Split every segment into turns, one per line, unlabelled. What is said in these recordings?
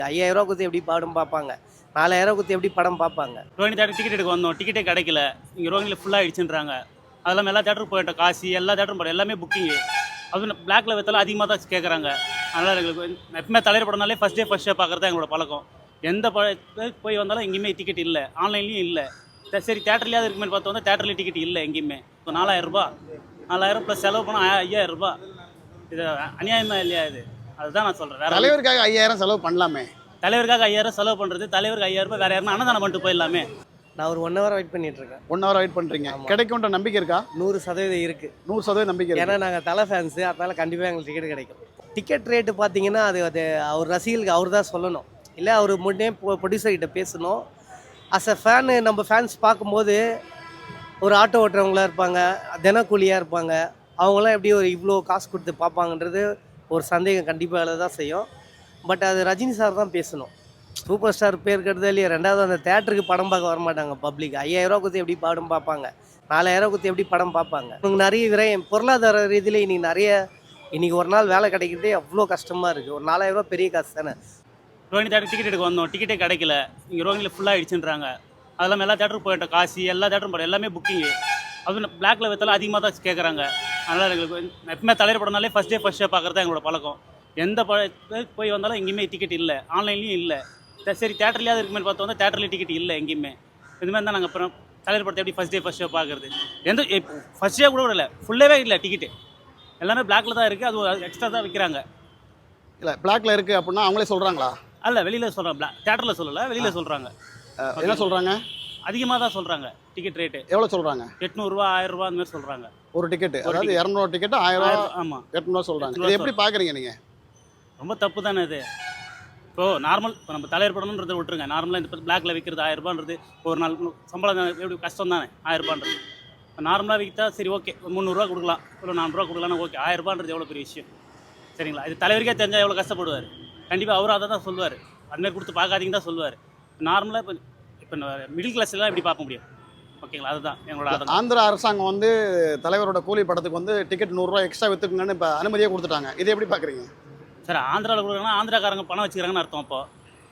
5000 குத்தி எப்படி படம் பார்ப்பாங்க, 4000 குத்தி எப்படி படம் பார்ப்பாங்க.
ரோஹிணி தேட்டர் டிக்கெட் எடுக்க வந்தோம், டிக்கெட்டே கிடைக்கல. இங்கே ரோஹிணியில் ஃபுல்லாக ஆயிடுச்சுன்றாங்க. அதெல்லாம் எல்லா தேட்டருக்கு போயிட்டோம், காசி எல்லா தேட்டரும் போய்ட்டோம், எல்லாமே புக்கிங்கு. அதுவும் பிளாக்ல வித்தாலும் அதிகமாக தான் கேட்குறாங்க. அதனால் எங்களுக்கு எப்பவுமே தலைவர் படம்னாலே ஃபஸ்ட் ஷோ பார்க்குறது தான் எங்களோட பழக்கம். எந்த போய் வந்தாலும் எங்கேயுமே டிக்கெட் இல்லை, ஆன்லைன்லேயும் இல்லை. சரி தேட்டர்லேயாவது இருக்குமே பார்த்து வந்தால் தேட்டர்லேயும் டிக்கெட் இல்லை எங்கேயுமே. இப்போ 4000 ப்ளஸ் செலவு பண்ணால் 5000. இது அநியாயமாக இல்லையா இது? அதுதான் நான் சொல்கிறேன்.
தலைவருக்காக 5000 செலவு பண்ணலாமே.
தலைவருக்காக 5000 செலவு பண்ணுறது, தலைவருக்கு 5000 வேறு யாருன்னா அன்னதானம் பண்ணிட்டு போயிடலாமே.
நான் ஒரு 1 hour வெயிட் பண்ணிட்டு இருக்கேன்.
1 hour வெயிட் பண்ணுறீங்க, கிடைக்கும்ன்ற நம்பிக்கை இருக்கா?
100% இருக்குது.
100% நம்பிக்கை
ஏன்னா நாங்கள் தலை ஃபேன்ஸு, அதனால் கண்டிப்பாக எங்களுக்கு டிக்கெட் கிடைக்கும். டிக்கெட் ரேட்டு பார்த்தீங்கன்னா அது அவர் ரசிகர்களுக்கு அவர் தான் சொல்லணும், இல்லை அவர் முன்னே ப்ரொடியூசர்கிட்ட பேசணும். அஸ் அ ஃபேனு நம்ம ஃபேன்ஸ் பார்க்கும்போது ஒரு ஆட்டோ ஓட்டுறவங்களாக இருப்பாங்க, தினக்கூலியாக இருப்பாங்க, அவங்களாம் எப்படி ஒரு இவ்வளோ காசு கொடுத்து பார்ப்பாங்கன்றது ஒரு சந்தேகம் கண்டிப்பாக தான் செய்யும். பட் அது ரஜினி சார் தான் பேசணும். சூப்பர் ஸ்டார் பேர் கெடுதோ இல்லையா, ரெண்டாவது அந்த தேட்டருக்கு படம் பார்க்க வரமாட்டாங்க பப்ளிக். 5000 குத்தி எப்படி படம் பார்ப்பாங்க, 4000 குத்தி எப்படி படம் பார்ப்பாங்க. இவங்க நிறைய விரயம் பொருளாதார ரீதியில் இன்றைக்கி ஒரு நாள் வேலை கிடைக்கிறதே அவ்வளோ கஷ்டமாக இருக்குது. ஒரு 4000 பெரிய காசு தானே.
ரோஹிணி தேட்டர் டிக்கெட் எடுக்க வந்தோம், டிக்கெட்டே கிடைக்கல. இங்கே ரோஹிணியில் ஃபுல்லாக ஆயிடுச்சுன்றாங்க. அதெல்லாம் எல்லா தேட்டருக்கு போயிட்டோம், காசி எல்லா தேட்டரும் போய்ட்டோம், எல்லாமே புக்கிங்கு. அதுவும் பிளாக்ல வித்தாலும் அதிகமாக தான் கேட்குறாங்க. அதனால் எங்களுக்கு எப்பவுமே தலைவர் படம்னாலே ஃபஸ்ட் ஷோ பார்க்குறது தான் எங்களோட பழக்கம். எந்த போய் வந்தாலும் எங்கேயுமே டிக்கெட் இல்லை, ஆன்லைன்லேயும் இல்லை. சரி தேட்டர்லேயாவது இருக்குமே பார்த்து வந்தால் தேட்டர்லேயும் டிக்கெட் இல்லை எங்கேயுமே. இதுமாதிரி தான் நாங்கள் அப்புறம் தலைவர் படத்தை எப்படி ஃபஸ்ட் ஷோ பார்க்குறது. ஃபஸ்ட் ஷோ கூட இல்லை, ஃபுல்லாகவே இல்லை டிக்கெட்டு. எல்லாமே பிளாக்ல தான் இருக்குது, அது எக்ஸ்ட்ரா தான் விற்கிறாங்க.
இல்லை பிளாக்ல இருக்குது அப்படின்னா அவங்களே சொல்கிறாங்களா?
அல்ல, வெளியில் சொல்கிறாங்க, தேட்டரில் சொல்லலை, வெளியில் சொல்கிறாங்க.
என்ன சொல்கிறாங்க?
அதிகமாக தான் சொல்கிறாங்க டிக்கெட் ரேட்டு.
எவ்வளோ சொல்கிறாங்க?
800 1000 அந்த மாதிரி சொல்கிறாங்க
ஒரு டிக்கெட்டு. அதாவது 200 டிக்கெட்டு 1000.
ஆமாம்,
800 சொல்கிறாங்க. இது எப்படி பார்க்குறீங்க நீங்கள்?
ரொம்ப தப்பு தானே இது. இப்போது நார்மல் இப்போ நம்ம தலைவர் படம்ன்றது விட்டுருங்க, நார்மலாக இந்த பிளாக்ல விற்கிறது 1000 ஒரு நாள் சம்பளம் எப்படி கஷ்டம் தானே 1000. நார்மலாக விற்றா சரி ஓகே, 300 கொடுக்கலாம், இல்லை 400 கொடுக்கலாம்னா ஓகே. 1000 எவ்வளோ பெரிய விஷயம் சரிங்களா? இது தலைவருக்கே தெரிஞ்சால் எவ்வளோ கஷ்டப்படுவார். கண்டிப்பாக அவரும் அதை தான் சொல்லுவார், அதுமாதிரி கொடுத்து பார்க்காதீங்க தான் சொல்லுவார். நார்மலாக இப்போ மிடில் கிளாஸ்லாம் எப்படி பார்க்க முடியும்? ஓகேங்களா, அதுதான் எங்களோட.
ஆந்திரா அரசாங்கம் வந்து தலைவரோட கூலி படத்துக்கு வந்து டிக்கெட் 100 எக்ஸ்ட்ரா விற்றுக்குங்கன்னு இப்போ அனுமதியே கொடுத்துட்டாங்க. இதை எப்படி பார்க்குறீங்க?
சார் ஆந்திராவில் கொடுக்குறாங்கன்னா ஆந்திராக்காரங்க பணம் வச்சுக்கிறாங்கன்னு அர்த்தம். அப்போ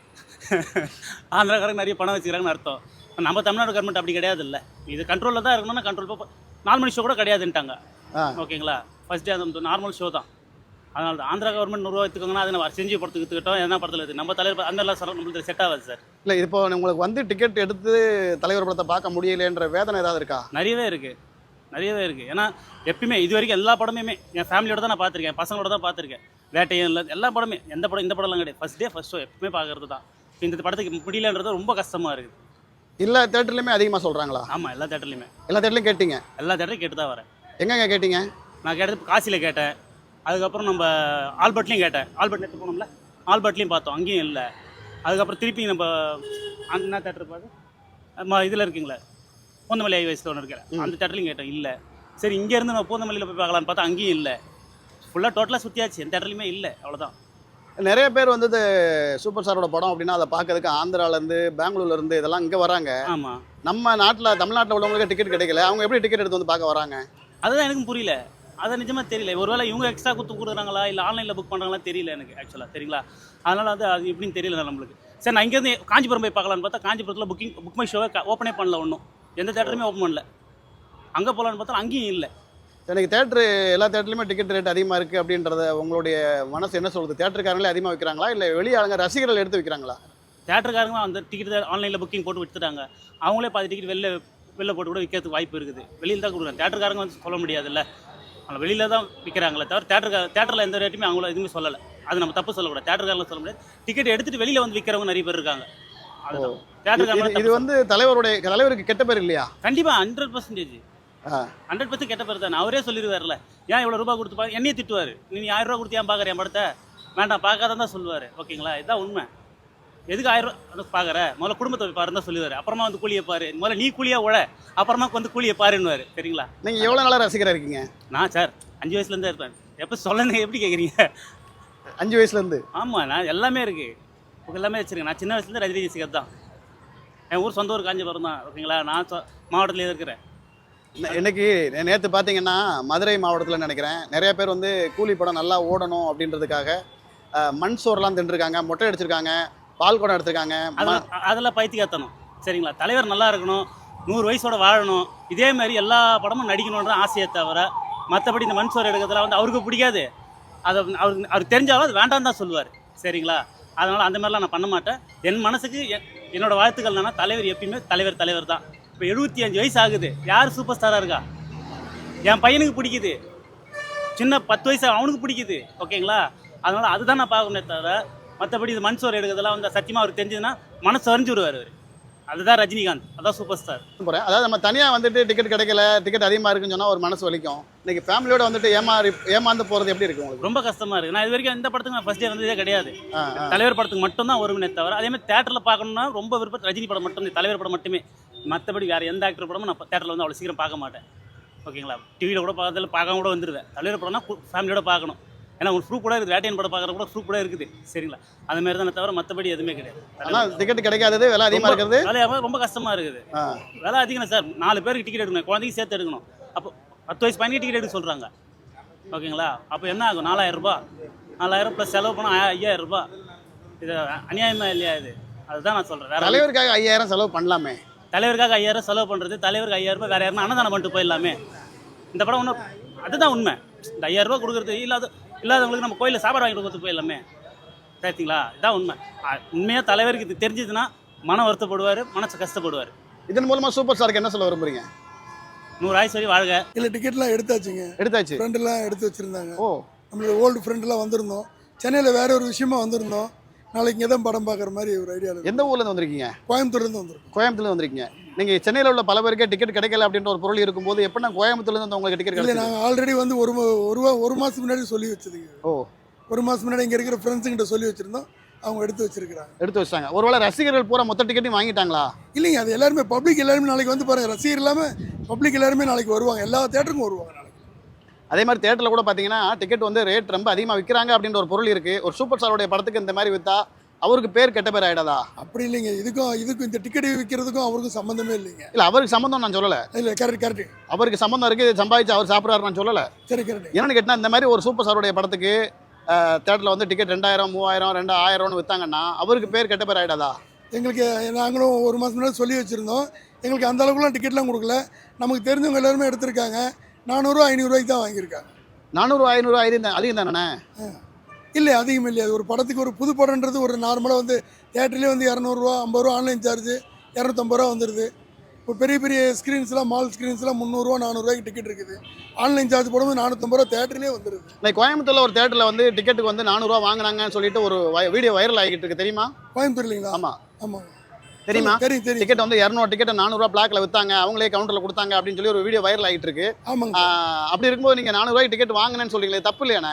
ஆந்திராக்காரங்க நிறைய பணம் வச்சுக்கிறாங்கன்னு அர்த்தம். நம்ம தமிழ்நாடு கவர்மெண்ட் அப்படி கிடையாது. இல்லை, இது கண்ட்ரோலில் தான் இருக்கணும்னா கண்ட்ரோல். இப்போ 4 மணி ஷோ கூட கிடையாதுன்ட்டாங்க. ஓகேங்களா, ஃபர்ஸ்ட் டே அந்த நார்மல் ஷோ தான். அதனால தான் ஆந்திரா கவர்மெண்ட் 100 எடுத்துக்கோங்கன்னா அதை நம்ம செஞ்சு படத்துக்கு எடுத்துக்கிட்டோம், எதனா படத்தில் இருக்குது. நம்ம தலைவர் அந்த எல்லாம் நம்மளுக்கு செட் ஆகாது சார். இல்லை,
இப்போ உங்களுக்கு வந்து டிக்கெட் எடுத்து தலைவர் படத்தை பார்க்க முடியலைன்ற வேதனை ஏதாவது இருக்கா?
நிறையவே இருக்குது. ஏன்னா எப்பயுமே இது வரைக்கும் எல்லா படமுமே என் ஃபேமிலியோட தான் நான் பார்த்துருக்கேன், பசங்களோட தான் பார்த்துருக்கேன். வேட்டையும் இல்லை, எல்லா படமே, இந்த படம்லாம் கிடையாது. ஃபர்ஸ்ட் ஷோ எப்பவுமே பார்க்கறது தான். இந்த படத்துக்கு முடியலன்றது ரொம்ப கஷ்டமாக இருக்குது.
எல்லா தேட்டர்லையுமே அதிகமாக சொல்கிறாங்களா?
ஆமாம், எல்லா
தேட்டர்லையும் கேட்டீங்க?
எல்லா தேட்டரையும் கேட்டு தான் வரேன்.
எங்கெங்க கேட்டீங்க?
நான் கேட்டது காசியில் கேட்டேன், அதுக்கப்புறம் நம்ம ஆல்பர்ட்லேயும் கேட்டேன். ஆல்பர்ட் எடுத்து போனோம்ல, ஆல்பர்ட்லேயும் பார்த்தோம், அங்கேயும் இல்லை. அதுக்கப்புறம் திருப்பி நம்ம என்ன தேட்டர் பார்த்து இதில் இருக்குங்களே பூந்தமல்லி ஹைவேஸில் ஒன்று இருக்கிறேன், அந்த தேட்டர்லையும் கேட்டேன், இல்லை. சரி இங்கேருந்து நம்ம பூந்தமல்லியில் போய் பார்க்கலான்னு பார்த்தா அங்கேயும் இல்லை. ஃபுல்லாக டோட்டலாக சுற்றியாச்சு, எந்த தேட்டர்லையுமே இல்லை. அவ்வளோதான்.
நிறைய பேர் வந்து சூப்பர் ஸ்டாரோட படம் அப்படின்னா அதை பார்க்கறதுக்கு ஆந்திராலேருந்து பெங்களூர்லேருந்து இதெல்லாம் இங்கே வராங்க.
ஆமாம்,
நம்ம தமிழ்நாட்டில் உள்ளவங்களுக்கு டிக்கெட் கிடைக்கல, அவங்க எப்படி டிக்கெட் எடுத்து வந்து பார்க்க வராங்க?
அதுதான் எனக்கும் புரியல. அதை நிஜமாக தெரியல. ஒருவேளை இவங்க எக்ஸ்ட்ரா கொடுக்குறாங்களா, இல்லை ஆன்லைனில் புக் பண்ணுறாங்களா தெரியல எனக்கு ஆக்சுவலாக, சரிங்களா? அதனால் அது எப்படின்னு தெரியல நம்மளுக்கு. சரி நான் இங்கேருந்து காஞ்சிபுரம் போய் பார்க்கலான்னு பார்த்தா காஞ்சிபுரத்தில் புக் மை ஷோவை ஓப்பனே பண்ணல, ஒன்றும் எந்த தேட்டருமே ஓப்பன் பண்ணல. அங்கே போகலான்னு பார்த்தா அங்கேயும் இல்லை.
எனக்கு தேட்டரு எல்லா தேட்டர்லையுமே டிக்கெட் ரேட் அதிகமாக இருக்குது அப்படின்றத உங்களுடைய மனசு என்ன சொல்லுது? தேட்டருக்காரங்களே அதிகமாக வைக்கிறாங்களா, இல்லை வெளியாளுங்க ரசிகர்கள் எடுத்து வைக்கிறாங்களா?
தேட்டருக்காரங்க அந்த டிக்கெட் ஆன்லைனில் புக்கிங் போட்டு விற்றுட்டாங்க. அவங்களே பாதி டிக்கெட் வெளில போட்டு கூட விற்கிறதுக்கு வாய்ப்பு இருக்குது. வெளியில் தான் கொடுக்குறாங்க. தேட்டருக்காரங்க வந்து சொல்ல முடியாதுல்ல, அவங்க வெளியில் தான் விற்கிறாங்களே தவிர தேட்டரில் எந்த ரேட்டுமே அவங்கள எதுவுமே சொல்லலை. அது நம்ம தப்பு சொல்லக்கூடாது. தேட்டருக்காரங்க சொல்ல முடியாது. டிக்கெட் எடுத்துகிட்டு வெளியில் வந்து விற்கிறவங்க நிறைய பேர் இருக்காங்க. அதுதான் தேட்டருக்காரங்க.
இது வந்து தலைவருக்கு கெட்ட பேர் இல்லையா?
கண்டிப்பாக 100% கெட்ட பேர் தானே. அவரே சொல்லிடுவார்ல, ஏன் இவ்வளோ ரூபா கொடுத்து பார்க்க என்னையே திட்டுவார். நீ 1000 ரூபா கொடுத்து ஏன் பார்க்குறேன் என் படத்தை, வேண்டாம் பார்க்காதான் தான் சொல்லுவார். ஓகேங்களா, இதுதான் உண்மை. எதுக்கு 1000 ரூபா பார்க்குற, முதல்ல குடும்பத்தை பாருன்னு தான் சொல்லுவார். அப்புறமா வந்து கூலியை பாரு, முதல்ல நீ கூலியாக உழ, அப்புறமா வந்து கூலியை பாருன்னுவார். சரிங்களா?
நீங்கள் எவ்வளோ நாளாக ரசிகராக இருக்கீங்க?
நான் சார் 5 வயசுலேருந்தே இருப்பேன். எப்போ சொல்லுங்க, எப்படி கேட்குறீங்க?
5 வயசுலேருந்து?
ஆமாம், நான் எல்லாமே இருக்குது, எல்லாமே வச்சுருக்கேன். நான் சின்ன வயசுலேருந்து ரஜினி ரசிகர் தான். என் ஊர் சொந்த ஊர் காஞ்சிபுரம் தான். ஓகேங்களா, நான் மாவட்டத்தில் இருக்கிறேன்.
இன்னைக்கு நேற்று பார்த்தீங்கன்னா மதுரை மாவட்டத்தில் நினைக்கிறேன் நிறைய பேர் வந்து கூலி படம் நல்லா ஓடணும் அப்படின்றதுக்காக மண் சோறுலாம் தின்றுருக்காங்க, மொட்டை அடிச்சிருக்காங்க, பால் குடம் எடுத்திருக்காங்க.
அதெல்லாம் பைத்தியக்காரத்தனம். சரிங்களா, தலைவர் நல்லா இருக்கணும், 100 வயசோட வாழணும், இதே மாதிரி எல்லா படமும் நடிக்கணுன்ற ஆசையை தவிர மற்றபடி இந்த மண் சோறு எடுக்கிறதுல வந்து அவருக்கு பிடிக்காது. அதை அவருக்கு தெரிஞ்சாலும் அது வேண்டாம் தான் சொல்லுவார். சரிங்களா, அதனால் அந்த மாதிரிலாம் நான் பண்ண மாட்டேன். என் மனசுக்கு என்னோட வாழ்த்துக்கள் என்னன்னா, தலைவர் எப்பயுமே தலைவர் தான். இப்போ 75 வயசு ஆகுது, யார் சூப்பர் ஸ்டாராக இருக்கா? என் பையனுக்கு பிடிக்குது, சின்ன 10 வயசு அவனுக்கு பிடிக்குது. ஓகேங்களா, அதனால் அதுதான் நான் பார்க்கணுமே தவிர மற்றபடி இது மண் சோறு எடுக்கிறதுலாம் வந்து சத்தியமாக அவருக்கு தெரிஞ்சதுன்னா மனசு வரைஞ்சி விடுவார் அவர். அதுதான் ரஜினிகாந்த், அதான் சூப்பர் ஸ்டார்.
போகிறேன். அதாவது நம்ம தனியாக வந்துட்டு டிக்கெட் கிடைக்கல, டிக்கெட் அதிகமாக இருக்குன்னு சொன்னால் ஒரு மனசு வலிக்கும். இன்னைக்கு ஃபேமிலியோட வந்துட்டு ஏமாந்து போகிறது எப்படி இருக்கு உங்களுக்கு?
ரொம்ப கஷ்டமாக இருக்குது. நான் இது வரைக்கும் இந்த படத்துக்கு நான் ஃபர்ஸ்ட் டே வந்ததே கிடையாது. தலைவர் படத்துக்கு மட்டும் தான் வருவனே தவிர, அதே மாதிரி தேட்டரில் பார்க்கணும்னா ரொம்ப விருப்பம் ரஜினி படம் மட்டும், தலைவர் படம் மட்டுமே. மற்றபடி வேறு எந்த ஆக்டர் படமும் நான் தேட்டரில் வந்து அவ்வளோ சீக்கிரம் பார்க்க மாட்டேன். ஓகேங்களா, டிவியில் கூட பார்க்காம கூட வந்துடுவேன். தலைவர் படம்னா ஃபேமிலியோட பார்க்கணும். ஏன்னா ஒரு ப்ரூஃப் கூட இருக்குது, வேட்டையன் படம் பார்க்குற கூட ப்ரூஃப் கூட இருக்குது. சரிங்களா, அது மாதிரி தானே தவிர மற்றபடி எதுவுமே கிடையாது.
ஆனால் டிக்கெட் கிடைக்காதது, விலை அதிகமாக இருக்கிறது,
விலை ரொம்ப கஷ்டமாக இருக்குது. விலை அதிகம் சார். 4 பேருக்கு டிக்கெட் எடுக்கணும், குழந்தைக்கு சேர்த்து எடுக்கணும். அப்போ 10 வயசு பையனுக்கு டிக்கெட் எடுக்க சொல்கிறாங்க. ஓகேங்களா, அப்போ என்ன ஆகும்? 4000 ரூபாய், 4000 ப்ளஸ் செலவு பண்ணால் 5000 ரூபாய். இது அநியாயமாக இல்லையா? இது அதுதான் நான் சொல்கிறேன்.
தலைவருக்காக 5000 செலவு பண்ணலாமே.
தலைவருக்காக 5000 செலவு பண்ணுறது, தலைவருக்கு 5000 ரூபாய் வேறு யாருன்னா அன்னதானம் பண்ணிட்டு போயிடலாமே. இந்த படம் ஒன்றும் அதுதான் உண்மை. இந்த 5000 ரூபா கொடுக்குறது இல்லாதவங்களுக்கு நம்ம கோயிலில் சாப்பாடு வாங்கி கொடுத்து போயிடலாமே. சரிங்களா, இதுதான் உண்மை. உண்மையாக தலைவருக்கு இது தெரிஞ்சதுன்னா மனம் வருத்தப்படுவார், மனசு கஷ்டப்படுவார்.
இதன் மூலமாக சூப்பர் ஸ்டாருக்கு என்ன சொல்ல விரும்புறீங்க?
100 ஆயுசு வரை வாழ்க.
இல்லை, டிக்கெட்லாம் எடுத்தாச்சுங்க.
எடுத்தாச்சு.
ஃப்ரெண்டெல்லாம் எடுத்து வச்சுருந்தாங்க.
ஓ,
நம்மளோட ஓல்டு ஃப்ரெண்டெல்லாம் வந்திருந்தோம். சென்னையில் வேற ஒரு விஷயமா வந்திருந்தோம். நாளைக்கு இங்கே தான் படம் பார்க்குற மாதிரி ஒரு ஐடியாவில்.
எந்த ஊர்லேருந்து வந்திருக்கீங்க?
கோயம்புத்தூர்லேருந்து வந்திருக்கோம்.
கோயம்புத்தூர்லேருந்து வந்திருக்கீங்க. நீங்கள் சென்னையில் உள்ள பல பேருக்கே டிக்கெட் கிடைக்கல அப்படின்ற ஒரு பொருள் இருக்கும்போது எப்படின்னா கோயம்புத்தூர்லேருந்து உங்களுக்கு டிக்கெட்
இல்லை,
கிடைக்கல?
நாங்கள் ஆல்ரெடி வந்து ஒரு மாதத்துக்கு முன்னாடி சொல்லி வச்சதுங்க.
ஓ,
ஒரு மாதம் முன்னாடி இங்கே இருக்கிற ஃப்ரெண்ட்ஸுங்கிட்ட சொல்லி வச்சுருந்தோம். அவங்க எடுத்து வச்சிருக்கிறாங்க.
எடுத்து வச்சாங்க. ஒருவேளை ரசிகர்கள் பூரா மொத்த டிக்கெட்டையும் வாங்கிட்டாங்களா?
இல்லைங்க, அது எல்லாருமே பப்ளிக் எல்லாருமே நாளைக்கு வந்து பாருங்கள். ரசிகர் இல்லாமல் பப்ளிக் எல்லாருமே நாளைக்கு வருவாங்க. எல்லா தேட்டருக்கும் வருவாங்க நாளைக்கு.
அதே மாதிரி தேட்டரில் கூட பார்த்தீங்கன்னா டிக்கெட் வந்து ரேட் ரொம்ப அதிகமாக விற்கிறாங்க அப்படின்ற ஒரு பொருள் இருக்குது. ஒரு சூப்பர் ஸ்டாரோடைய படத்துக்கு இந்த மாதிரி விற்றா அவருக்கு பேர் கெட்ட பேர் ஆகிடாதா?
அப்படி இல்லைங்க. இதுக்கும் இந்த டிக்கெட் விற்கிறதுக்கும் அவருக்கும் சம்மந்தமே இல்லைங்க.
இல்லை, அவருக்கு சம்மந்தம் நான் சொல்லலை.
இல்லை, கரெக்ட்.
அவருக்கு சம்மந்தம் இருக்குது, சம்பாதிச்சு அவர் சாப்பிட்றாரு நான் சொல்லலை.
சரி, கரெக்ட்.
என்னென்னு கேட்டால் இந்த மாதிரி ஒரு சூப்பர் ஸ்டாரோடைய படத்துக்கு தேட்டரில் வந்து டிக்கெட் 2000, 3000, 2000 விற்றாங்கன்னா அவருக்கு பேர் கெட்ட பேர் ஆகிடாதா?
எங்களுக்கு நாங்களும் ஒரு மாதம் முன்னாடி சொல்லி வச்சுருந்தோம். எங்களுக்கு அந்த அளவுக்குலாம் டிக்கெட்லாம் கொடுக்கல. நமக்கு தெரிஞ்சவங்க எல்லாருமே எடுத்திருக்காங்க. 400, 500 தான் வாங்கியிருக்காங்க.
400, 500 அதிகம் தானே?
இல்லை, அதிகம் இல்லை. அது ஒரு படத்துக்கு ஒரு புது படம்ன்றது ஒரு நார்மலாக வந்து தேட்டர்லேயே வந்து 200 50 ரூபா, ஆன்லைன் சார்ஜ் 250 ரூபா வந்துடுது. இப்போ பெரிய ஸ்க்ரீன்ஸ்லாம், மால் ஸ்க்ரீன்ஸ்லாம் 300 400 டிக்கெட் இருக்குது. ஆன்லைன் சார்ஜ் போடும்போது 450 ரூபா தேட்டர்லேயே வந்துடுது.
இல்லை, கோயம்புத்தூரில் ஒரு தேட்டரில் வந்து டிக்கெட்டுக்கு வந்து 400 வாங்கினாங்கன்னு சொல்லிட்டு ஒரு வீடியோ வைரல் ஆகிட்டு இருக்கு, தெரியுமா?
கோயம்புத்தூர் இல்லைங்களா?
ஆமாம், தெரியுமா? தெரியும். டிக்கெட் வந்து 200 டிக்கெட்டை 400 பிளாக்ல விற்றாங்க, அவங்களே கவுண்டரில் கொடுத்தாங்க அப்படின்னு சொல்லி ஒரு வீடியோ வைரல் ஆகிட்டு இருக்கு.
ஆமாங்க.
அப்படி இருக்கும்போது நீங்கள் 400 டிக்கெட் வாங்கினேன்னு சொல்றீங்களே, தப்பு இல்லையாண்ணே?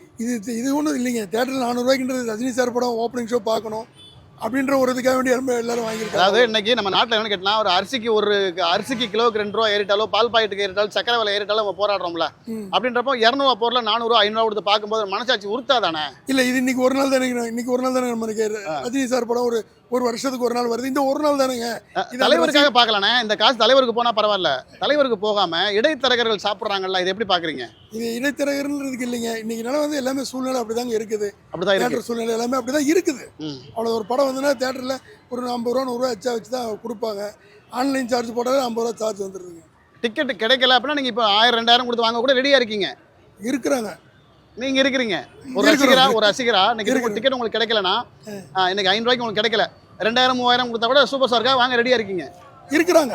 இது ஒன்றும் இல்லைங்க. தேட்டரில் 400 ரஜினி சார் படம் ஓப்பனிங் ஷோ பார்க்கணும் அப்படின்ற ஒரு இதுக்காக வேண்டி எல்லாரும் வாங்கியிருக்காங்க.
அதாவது இன்னைக்கு நம்ம நாட்டில் என்ன கேட்டால் ஒரு அரிசிக்கு கிலோவுக்கு 2 ரூபா ஏறிட்டாலும், பால் பாக்கெட்டுக்கு ஏறிட்டாலும், சக்கரை விலை ஏறிட்டாலும் நம்ம போராடுறோம்ல. அப்படின்றப்போ 200 பொருள் 400, 500 கொடுத்து பார்க்கும்போது மனசாட்சி உறுத்தாதானே? இல்லை, இது இன்னைக்கு ஒரு நாள் தானே நமக்கு ரஜினி சார் படம் ஒரு வருஷத்துக்கு ஒரு நாள் வருது. இந்த ஒரு நாள் தானேங்க. தலைவருக்காக பார்க்கலானே. இந்த காசு தலைவருக்கு போனால் பரவாயில்ல, தலைவருக்கு போகாம இடைத்தரகர்கள் சாப்பிட்றாங்கல்ல, இது எப்படி பார்க்குறீங்க? இது
இடைத்தரகர்ன்றதுக்கு இல்லைங்க. இன்னைக்கு நிலை வந்து எல்லாமே சூழ்நிலை அப்படிதாங்க இருக்குது.
அப்படிதான்
தேட்டர் சூழ்நிலை எல்லாமே அப்படிதான் இருக்குது. அவ்வளோ ஒரு படம் வந்துன்னா தேட்டரில் ஒரு 50 ரூபா 100 ரூபா எச்சா வச்சு தான் கொடுப்பாங்க. ஆன்லைன் சார்ஜ் போட்டாலே 50 ரூபா சார்ஜ் வந்துடுதுங்க.
டிக்கெட் கிடைக்கல அப்படின்னா நீங்கள் இப்போ 1000, 2000 கொடுத்து வாங்க கூட ரெடியாக இருக்கீங்க.
இருக்கிறாங்க.
நீங்கள் இருக்கிறீங்க. ஒரு ரசிகரா இன்னைக்கு டிக்கெட் உங்களுக்கு கிடைக்கலன்னா, இன்னைக்கு 500 ரூபாய்க்கு உங்களுக்கு கிடைக்கல, 2000, 3000 கொடுத்தா கூட சூப்பர் ஸ்டாருக்காக வாங்க ரெடியாக இருக்கீங்க.
இருக்கிறாங்க.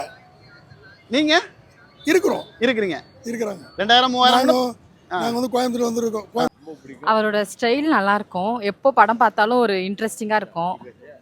நீங்கள் இருக்கிறீங்க.
2000,
3000
நாங்கள் வந்து கோயம்புத்தூர் வந்துருக்கோம்.
அவரோட ஸ்டைல் நல்லா இருக்கும். எப்போ படம் பார்த்தாலும் ஒரு இன்ட்ரெஸ்டிங்காக இருக்கும்.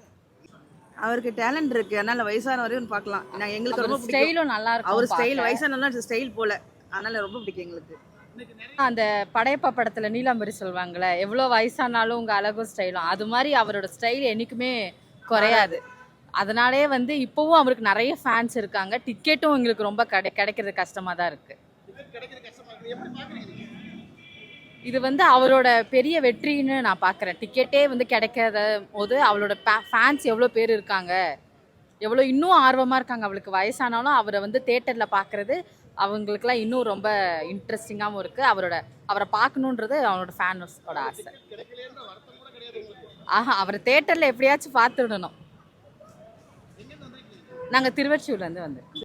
அவருக்கு டேலண்ட் இருக்கு, அதனால வயசான வரையும் பார்க்கலாம். நான் எங்களுக்கு ரொம்ப பிடிக்கும்.
ஸ்டைலும் நல்லா இருக்கும்.
அவர் ஸ்டைல் வயசானவங்க ஸ்டைல் போல, அதனால ரொம்ப பிடிக்கும் எங்களுக்கு.
அந்த படையப்பா படத்துல நீலாம்பரி சொல்லுவாங்கல்ல, எவ்வளோ வயசானாலும் உங்க அழகும் ஸ்டைலும், அது மாதிரி அவரோட ஸ்டைல் என்னைக்குமே குறையாது. அதனாலே வந்து இப்போவும் அவருக்கு நிறைய ஃபேன்ஸ் இருக்காங்க. டிக்கெட்டும் எங்களுக்கு ரொம்ப கிடைக்கிறது கஷ்டமாக தான் இருக்கு. இது வந்து அவரோட பெரிய வெற்றின்னு நான் பார்க்குறேன். டிக்கெட்டே வந்து கிடைக்காத போது அவளோட ஃபேன்ஸ் எவ்வளோ பேர் இருக்காங்க, எவ்வளோ இன்னும் ஆர்வமாக இருக்காங்க. அவளுக்கு வயசானாலும் அவரை வந்து தேட்டரில் பார்க்குறது அவங்களுக்குலாம் இன்னும் ரொம்ப இன்ட்ரெஸ்டிங்காகவும் இருக்குது. அவரை பார்க்கணுன்றது அவனோட ஃபேன்ஸோட ஆசை. ஆஹா அவர் தேட்டரில் எப்படியாச்சும் பார்த்துடணும். நாங்கள் திருவொற்றியூர்லேருந்து வந்து